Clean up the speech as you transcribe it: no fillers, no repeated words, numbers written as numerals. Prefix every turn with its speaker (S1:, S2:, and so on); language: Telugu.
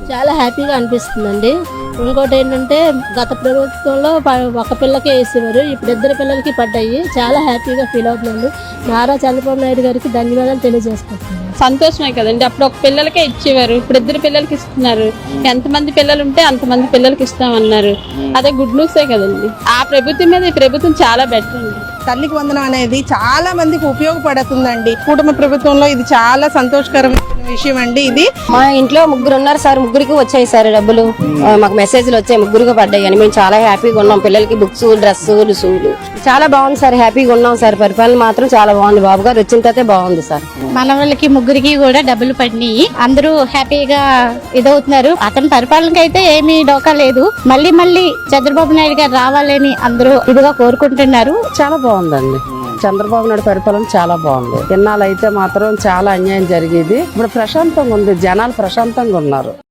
S1: చాలా హ్యాపీగా అనిపిస్తుందండి. ఇంకోటి ఏంటంటే గత ప్రభుత్వంలో ఒక పిల్లకే వేసేవారు, ఇప్పుడు 2 పిల్లలకి పడ్డాయి. చాలా హ్యాపీగా ఫీల్ అవుతున్నాను. నారా చంద్రబాబు నాయుడు గారికి ధన్యవాదాలు తెలియజేసుకుంటున్నాను.
S2: సంతోషమే కదండి. అప్పుడు ఒక పిల్లలకే ఇచ్చేవారు, ఇప్పుడు 2 పిల్లలకి ఇస్తున్నారు. ఎంతమంది పిల్లలు ఉంటే అంతమంది పిల్లలకి ఇస్తామన్నారు. అదే గుడ్ న్యూసే కదండి. ఆ ప్రభుత్వం మీద ఈ ప్రభుత్వం చాలా బెటర్ అండి.
S3: తల్లికి వందనం అనేది చాలా మందికి ఉపయోగపడుతుందండి. కూటమి ప్రభుత్వంలో ఇది చాలా సంతోషకరమైన విషయం అండి. ఇది
S4: మా ఇంట్లో 3 ఉన్నారు సార్, 3కి వచ్చాయి సార్ డబ్బులు. మాకు మెసేజ్లు వచ్చాయి, 3కి పడ్డాయి అని. మేము చాలా హ్యాపీగా ఉన్నాం. పిల్లలకి బుక్స్, డ్రెస్సులు, షూలు చాలా బాగుంది సార్. హ్యాపీగా ఉన్నాం సార్. పరిపాలన మాత్రం చాలా బాగుంది. బాబు గారు వచ్చిన తర్వాత బాగుంది సార్.
S5: మన వాళ్ళకి 3కి కూడా డబ్బులు పడినాయి. అందరూ హ్యాపీగా ఇదవుతున్నారు. అతని పరిపాలనకి అయితే ఏమీ డోకా లేదు. మళ్ళీ చంద్రబాబు నాయుడు గారు రావాలని అందరూ ఇదిగా కోరుకుంటున్నారు.
S4: చాలా బాగుందండి. చంద్రబాబు నాయుడు పరిపాలన చాలా బాగుంది. ఇన్నాళ్ళు అయితే మాత్రం చాలా అన్యాయం జరిగేది. ఇప్పుడు ప్రశాంతంగా ఉంది. జనాలు ప్రశాంతంగా ఉన్నారు.